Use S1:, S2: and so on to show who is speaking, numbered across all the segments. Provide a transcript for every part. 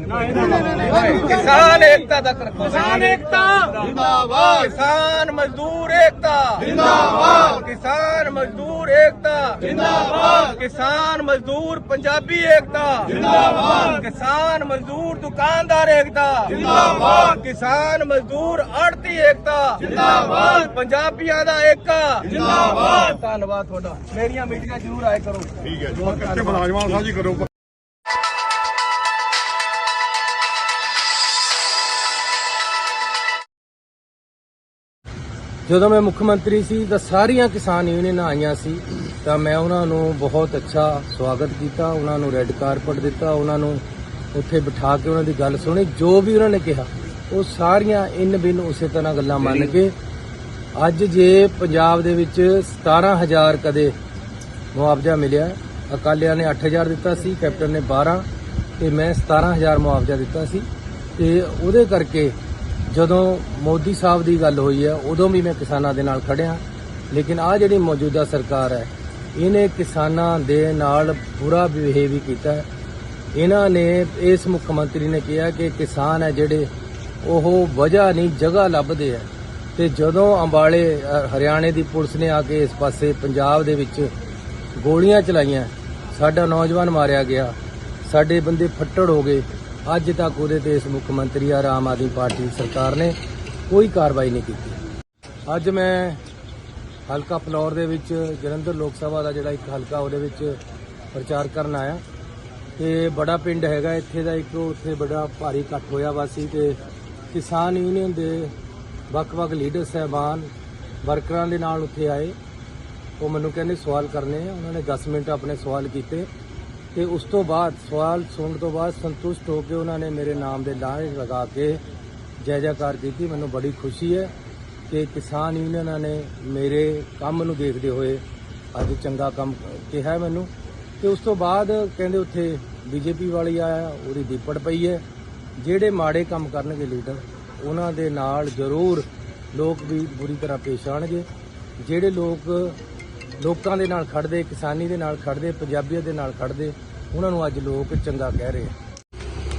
S1: किसान एकता तक रखो। किसान एकता जिंदाबाद। किसान मजदूर एकता जिंदाबाद। किसान मजदूर एकता जिंदाबाद। किसान मजदूर पंजाबी एकता जिंदाबाद। किसान मजदूर दुकानदार एकता जिंदाबाद। किसान मजदूर आड़ती एकता जिंदाबाद। पंजाबियां दा एकता जिंदाबाद। धन्नवाद तुहाडा। मेरियां मीटिंगां जरूर आया करो।
S2: ठीक है जी, कच्चे मुलाजमान साझी करो।
S3: ਜਦੋਂ ਮੈਂ ਮੁੱਖ ਮੰਤਰੀ ਸੀ ਤਾਂ ਸਾਰੀਆਂ ਕਿਸਾਨ ਯੂਨੀਅਨਾਂ ਆਈਆਂ ਸੀ ਤਾਂ ਮੈਂ ਉਹਨਾਂ ਨੂੰ ਬਹੁਤ ਅੱਛਾ ਸਵਾਗਤ ਕੀਤਾ, ਉਹਨਾਂ ਨੂੰ ਰੈੱਡ ਕਾਰਪਟ ਦਿੱਤਾ, ਉਹਨਾਂ ਨੂੰ ਉੱਥੇ ਬਿਠਾ ਕੇ ਉਹਨਾਂ ਦੀ ਗੱਲ ਸੁਣੀ। ਜੋ ਵੀ ਉਹਨਾਂ ਨੇ ਕਿਹਾ ਉਹ ਸਾਰੀਆਂ ਇਨ ਬਿਨ ਉਸੇ ਤਰ੍ਹਾਂ ਗੱਲਾਂ ਮੰਨ ਕੇ ਅੱਜ ਜੇ ਪੰਜਾਬ ਦੇ ਵਿੱਚ 17,000 ਕਦੇ ਮੁਆਵਜ਼ਾ ਮਿਲਿਆ, ਅਕਾਲੀਆਂ ਨੇ 8,000 ਦਿੱਤਾ ਸੀ, ਕੈਪਟਨ ਨੇ 12 ਤੇ ਮੈਂ 17,000 ਮੁਆਵਜ਼ਾ ਦਿੱਤਾ ਸੀ। ਤੇ ਉਹਦੇ ਕਰਕੇ ਜਦੋਂ ਮੋਦੀ ਸਾਹਿਬ ਦੀ ਗੱਲ ਹੋਈ ਹੈ ਉਦੋਂ ਵੀ ਮੈਂ ਕਿਸਾਨਾਂ ਦੇ ਨਾਲ ਖੜਿਆ। ਲੇਕਿਨ ਆਹ ਜਿਹੜੀ ਮੌਜੂਦਾ ਸਰਕਾਰ ਹੈ ਇਹਨੇ ਕਿਸਾਨਾਂ ਦੇ ਨਾਲ ਬੁਰਾ ਬਿਹੇਵ ਵੀ ਕੀਤਾ ਹੈ। ਇਹਨਾਂ ਨੇ ਇਸ ਮੁੱਖ ਮੰਤਰੀ ਨੇ ਕਿਹਾ ਕਿ ਕਿਸਾਨ ਹੈ ਜਿਹੜੇ ਉਹ ਵਜ੍ਹਾ ਨਹੀਂ ਜਗ੍ਹਾ ਲੱਭਦੇ ਹੈ। ਤੇ ਜਦੋਂ ਅੰਬਾਲੇ ਹਰਿਆਣੇ ਦੀ ਪੁਲਿਸ ਨੇ ਆ ਕੇ ਇਸ ਪਾਸੇ ਪੰਜਾਬ ਦੇ ਵਿੱਚ ਗੋਲੀਆਂ ਚਲਾਈਆਂ, ਸਾਡਾ ਨੌਜਵਾਨ ਮਾਰਿਆ ਗਿਆ, ਸਾਡੇ ਬੰਦੇ ਫੱਟੜ ਹੋ ਗਏ, ਅੱਜ ਤੱਕ ਉਹਦੇ ਤੇ ਇਸ ਮੁੱਖ ਮੰਤਰੀ ਔਰ ਆਮ ਆਦਮੀ ਪਾਰਟੀ ਸਰਕਾਰ ਨੇ ਕੋਈ ਕਾਰਵਾਈ ਨਹੀਂ ਕੀਤੀ। ਅੱਜ ਮੈਂ ਹਲਕਾ ਫਲੌਰ ਦੇ ਵਿੱਚ ਜਲੰਧਰ ਲੋਕ ਸਭਾ ਦਾ ਜਿਹੜਾ ਇੱਕ ਹਲਕਾ ਉਹਦੇ ਵਿੱਚ ਪ੍ਰਚਾਰ ਕਰਨ ਆਇਆ ਤੇ ਬੜਾ ਪਿੰਡ ਹੈਗਾ ਇੱਥੇ ਦਾ ਇੱਕ, ਉੱਥੇ ਬੜਾ ਭਾਰੀ ਇਕੱਠ ਹੋਇਆ ਵਾ ਸੀ ਤੇ ਕਿਸਾਨ ਯੂਨੀਅਨ ਦੇ ਵੱਖ-ਵੱਖ ਲੀਡਰ ਸਾਹਿਬਾਨ ਵਰਕਰਾਂ ਦੇ ਨਾਲ ਉੱਥੇ ਆਏ। ਉਹ ਮੈਨੂੰ ਕਹਿੰਦੇ ਸਵਾਲ ਕਰਨੇ ਆ। ਉਹਨਾਂ ਨੇ 10 ਮਿੰਟ ਆਪਣੇ ਸਵਾਲ ਕੀਤੇ ਤੇ ਉਸ ਤੋਂ ਬਾਅਦ ਸਵਾਲ ਸੁਣਨ ਤੋਂ ਬਾਅਦ ਸੰਤੁਸ਼ਟ ਹੋ ਕੇ ਉਹਨਾਂ ਨੇ ਮੇਰੇ ਨਾਮ ਦੇ ਨਾਅਰੇ ਲਗਾ ਕੇ ਜੈ ਜੈਕਾਰ ਕੀਤੀ। ਮੈਨੂੰ ਬੜੀ ਖੁਸ਼ੀ ਹੈ ਕਿ ਕਿਸਾਨ ਯੂਨੀਅਨਾਂ ਨੇ ਮੇਰੇ ਕੰਮ ਨੂੰ ਦੇਖਦੇ ਹੋਏ ਅੱਜ ਚੰਗਾ ਕੰਮ ਕਿਹਾ ਮੈਨੂੰ। ਤੇ ਉਸ ਤੋਂ ਬਾਅਦ ਕਹਿੰਦੇ ਉੱਥੇ ਬੀਜੇਪੀ ਵਾਲੀ ਆਇਆ, ਉਹਦੀ ਦੀਪੜ ਪਈ ਹੈ। ਜਿਹੜੇ ਮਾੜੇ ਕੰਮ ਕਰਨਗੇ ਲੀਡਰ ਉਹਨਾਂ ਦੇ ਨਾਲ ਜ਼ਰੂਰ ਲੋਕ ਵੀ ਬੁਰੀ ਤਰ੍ਹਾਂ ਪੇਸ਼ ਆਣਗੇ। ਜਿਹੜੇ ਲੋਕਾਂ ਦੇ ਨਾਲ ਖੜਦੇ, ਕਿਸਾਨੀ ਦੇ ਨਾਲ ਖੜਦੇ, ਪੰਜਾਬੀਆਂ ਦੇ ਨਾਲ ਖੜਦੇ, ਉਹਨਾਂ ਨੂੰ ਅੱਜ ਲੋਕ ਚੰਗਾ ਕਹਿ ਰਹੇ ਆ।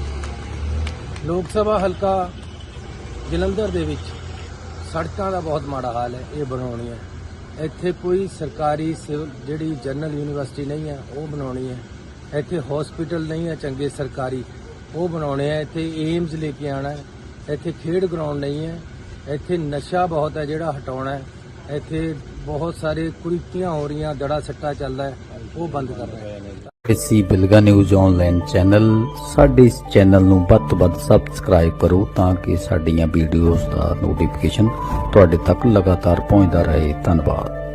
S3: ਲੋਕ ਸਭਾ ਹਲਕਾ ਜਲੰਧਰ ਦੇ ਵਿੱਚ ਸੜਕਾਂ ਦਾ ਬਹੁਤ ਮਾੜਾ ਹਾਲ ਹੈ, ਇਹ ਬਣਾਉਣੀ ਹੈ। ਇੱਥੇ ਕੋਈ ਸਰਕਾਰੀ ਸਿਵਲ ਜਿਹੜੀ ਜਨਰਲ ਯੂਨੀਵਰਸਿਟੀ ਨਹੀਂ ਹੈ ਉਹ ਬਣਾਉਣੀ ਹੈ। ਇੱਥੇ ਹਸਪੀਟਲ ਨਹੀਂ ਹੈ ਚੰਗੇ ਸਰਕਾਰੀ, ਉਹ ਬਣਾਉਣੇ ਆ। ਇੱਥੇ ਏਮਜ਼ ਲੈ ਕੇ ਆਉਣਾ ਹੈ। ਇੱਥੇ ਖੇਡ ਗਰਾਊਂਡ ਨਹੀਂ ਹੈ। ਇੱਥੇ ਨਸ਼ਾ ਬਹੁਤ ਹੈ ਜਿਹੜਾ ਹਟਾਉਣਾ ਹੈ। ਇੱਥੇ ਬਹੁਤ ਸਾਰੇ ਕੁਰੀਤੀਆਂ ਹੋ ਰਹੀਆਂ, ਦੜਾ ਸੱਟਾ ਚੱਲਦਾ ਹੈ, ਉਹ ਬੰਦ ਕਰਨਾ ਹੈ।
S4: ਇਸੀ ਬਿਲਗਾ ਨਿਊਜ਼ ਆਨਲਾਈਨ ਚੈਨਲ, ਸਾਡੇ ਇਸ ਚੈਨਲ ਨੂੰ ਵੱਧ ਤੋਂ ਵੱਧ ਸਬਸਕ੍ਰਾਈਬ ਕਰੋ ਤਾਂ ਕਿ ਸਾਡੀਆਂ ਵੀਡੀਓਜ਼ ਦਾ ਨੋਟੀਫਿਕੇਸ਼ਨ ਤੁਹਾਡੇ ਤੱਕ ਲਗਾਤਾਰ ਪਹੁੰਚਦਾ ਰਹੇ। ਧੰਨਵਾਦ।